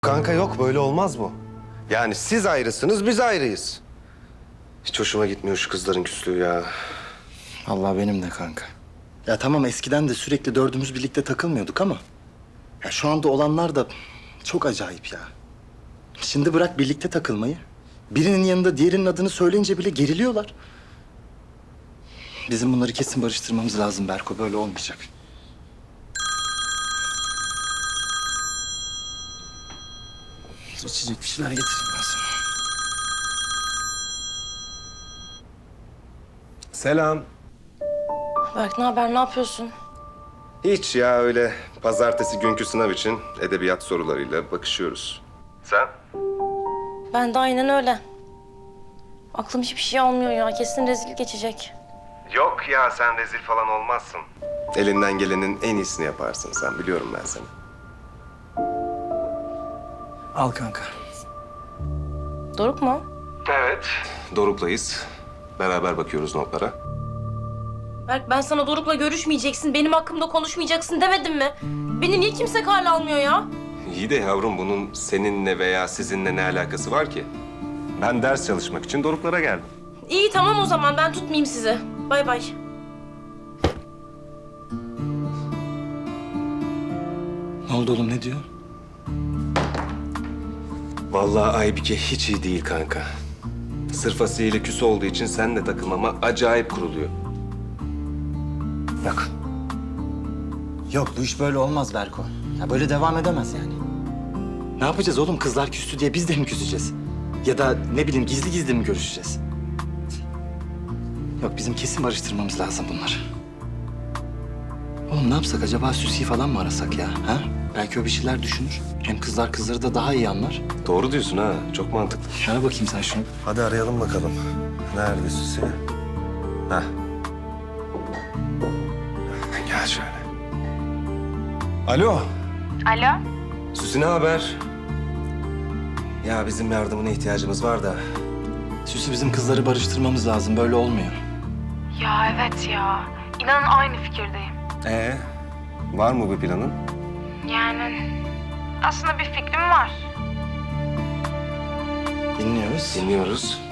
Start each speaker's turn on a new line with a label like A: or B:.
A: Kanka yok, böyle olmaz bu. Yani siz ayrısınız, biz ayrıyız. Hiç hoşuma gitmiyor şu kızların küslüğü ya.
B: Allah benim de kanka. Ya tamam eskiden de sürekli dördümüz birlikte takılmıyorduk ama... ya şu anda olanlar da çok acayip ya. Şimdi bırak birlikte takılmayı. Birinin yanında diğerinin adını söyleyince bile geriliyorlar. Bizim bunları kesin barıştırmamız lazım Berko. Böyle olmayacak. İçecek bir şeyler getireyim ben sana.
A: Selam.
C: Berk ne haber, ne yapıyorsun?
A: Hiç ya, öyle pazartesi günkü sınav için edebiyat sorularıyla bakışıyoruz. Sen?
C: Ben de aynen öyle. Aklım hiçbir şey almıyor ya. Kesin rezil geçecek.
A: Yok ya, sen rezil falan olmazsın. Elinden gelenin en iyisini yaparsın sen, biliyorum ben seni.
B: Al kanka.
C: Doruk mu?
A: Evet. Doruk'layız. Beraber bakıyoruz notlara.
C: Berk ben sana Doruk'la görüşmeyeceksin, benim hakkımda konuşmayacaksın demedim mi? Beni niye kimse kale almıyor ya?
A: İyi de yavrum, bunun seninle veya sizinle ne alakası var ki? Ben ders çalışmak için Doruk'lara geldim.
C: İyi tamam o zaman, ben tutmayayım sizi. Bay bay.
B: Ne oldu oğlum, ne diyor?
A: Vallahi Aybike hiç iyi değil kanka. Sırf Asiye ile küs olduğu için seninle takılmama acayip kuruluyor.
B: Yok. Yok, bu iş böyle olmaz Berko. Ya böyle devam edemez yani. Ne yapacağız oğlum? Kızlar küstü diye biz de mi küseceğiz? Ya da ne bileyim gizli gizli mi görüşeceğiz? Yok, bizim kesin barıştırmamız lazım bunları. Oğlum ne yapsak acaba, Süsi'yi falan mı arasak ya? Ha? Belki o bir şeyler düşünür. Hem kızlar kızları da daha iyi anlar.
A: Doğru diyorsun ha, çok mantıklı.
B: Ara bakayım sen şunu.
A: Hadi arayalım bakalım. Nerede Süsi? Heh. Gel şöyle. Alo.
D: Alo?
A: Süsi, ne haber? Ya bizim yardımına ihtiyacımız var da.
B: Süsi, bizim kızları barıştırmamız lazım. Böyle olmuyor.
D: Ya evet ya. İnanın aynı fikirdeyim.
A: Var mı bir planın?
D: Yani aslında bir fikrim var.
B: Dinliyoruz.
A: Dinliyoruz.